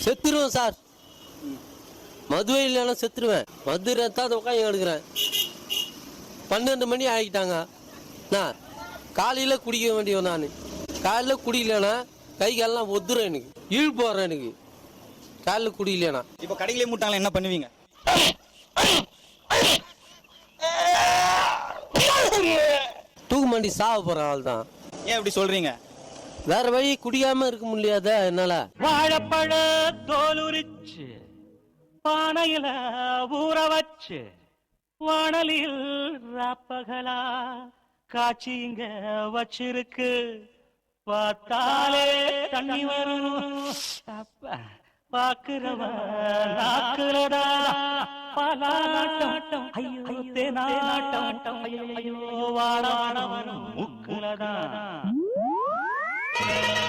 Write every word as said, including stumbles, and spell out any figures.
செத்துருவேன் சார். மதுவை இல்லைன்னா செத்துருவேன். மது ரத்தாத உட்காந்து எடுக்கிறேன். பன்னெண்டு மணி ஆகிட்டாங்க. நான் காலையில் குடிக்க வேண்டியவன். நான் காலையில் குடிக்கலன்னா கை காலெல்லாம் ஒத்துறேன். எனக்கு ஈழ் போடுறேன். எனக்கு காலையில் குடிக்கலனா இப்போ கடையிலே மூட்டாங்களா என்ன பண்ணுவீங்க? தூக்கு மாண்டி சாவ போறேன். அவள் தான். ஏன் இப்படி சொல்றீங்க? வேற வழி குடிக்காம இருக்க முடியாத என்னால. வாழைப்பழ தோலுரிச்சு பானையில ஊற வச்சு வானலில் ராப்பகலா காட்சி இங்க வச்சிருக்கு. பார்த்தாலே தண்ணி வரும். பாக்குறவன் நாக்குலடா பலாட்டம். ஐயோ தேனாட்டம். ஐயோ வாழ முக்குலடா.